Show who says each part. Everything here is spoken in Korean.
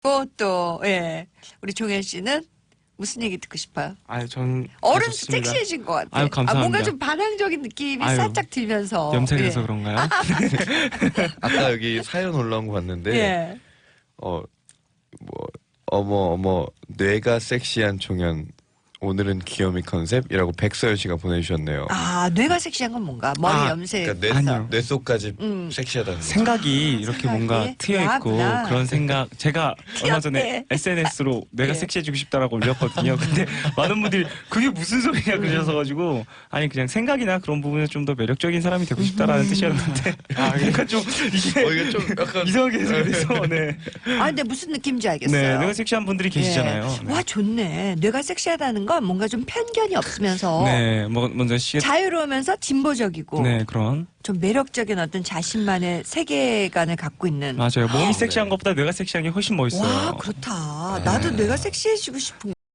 Speaker 1: 또, 예. 우리 종현 씨는 무슨 얘기 듣고 싶어요?
Speaker 2: 아유, 전
Speaker 1: 어른
Speaker 2: 좋습니다.
Speaker 1: 섹시해진 것 같아.
Speaker 2: 아유, 감사합니다.
Speaker 1: 뭔가 좀 반항적인 느낌이
Speaker 2: 아유,
Speaker 1: 살짝 들면서.
Speaker 2: 염색해서
Speaker 1: 예.
Speaker 2: 그런가요?
Speaker 3: 아까 여기 사연 올라온 거 봤는데
Speaker 1: 예.
Speaker 3: 뭐 어머 뇌가 섹시한 종현 오늘은 귀요미 컨셉이라고 백서연 씨가 보내주셨네요.
Speaker 1: 아, 뇌가 섹시한 건 뭔가? 머리 염색.
Speaker 3: 그러니까
Speaker 2: 아니요.
Speaker 3: 뇌 속까지 섹시하다는 거.
Speaker 2: 생각이 이렇게
Speaker 1: 생각이
Speaker 2: 뭔가 트여있고
Speaker 1: 야하구나.
Speaker 2: 그런 생각 제가 얼마 전에
Speaker 1: 귀엽네.
Speaker 2: SNS로 내가
Speaker 1: 예.
Speaker 2: 섹시해지고 싶다라고 올렸거든요. 근데 많은 분들이 그게 무슨 소리냐 그러셔가지고 아니 그냥 생각이나 그런 부분에 좀 더 매력적인 사람이 되고 싶다라는 뜻이었는데 뭔가 좀 이게
Speaker 3: 이게 좀 약간
Speaker 2: 이상하게 해석돼서 네.
Speaker 1: 아, 근데 무슨 느낌인지 알겠어요.
Speaker 2: 네, 내가 섹시한 분들이 계시잖아요.
Speaker 1: 예.
Speaker 2: 네.
Speaker 1: 와, 좋네. 뇌가 섹시하다는 건 뭔가 좀 편견이 없으면서
Speaker 2: 네, 뭐 먼저
Speaker 1: 자유로우면서 진보적이고
Speaker 2: 네, 그런
Speaker 1: 좀 매력적인 어떤 자신만의 세계관을 갖고 있는.
Speaker 2: 맞아요. 몸이
Speaker 3: 네.
Speaker 2: 섹시한 것보다 뇌가 섹시한 게 훨씬 멋있어요.
Speaker 1: 와, 그렇다. 나도 뇌가 섹시해지고 싶은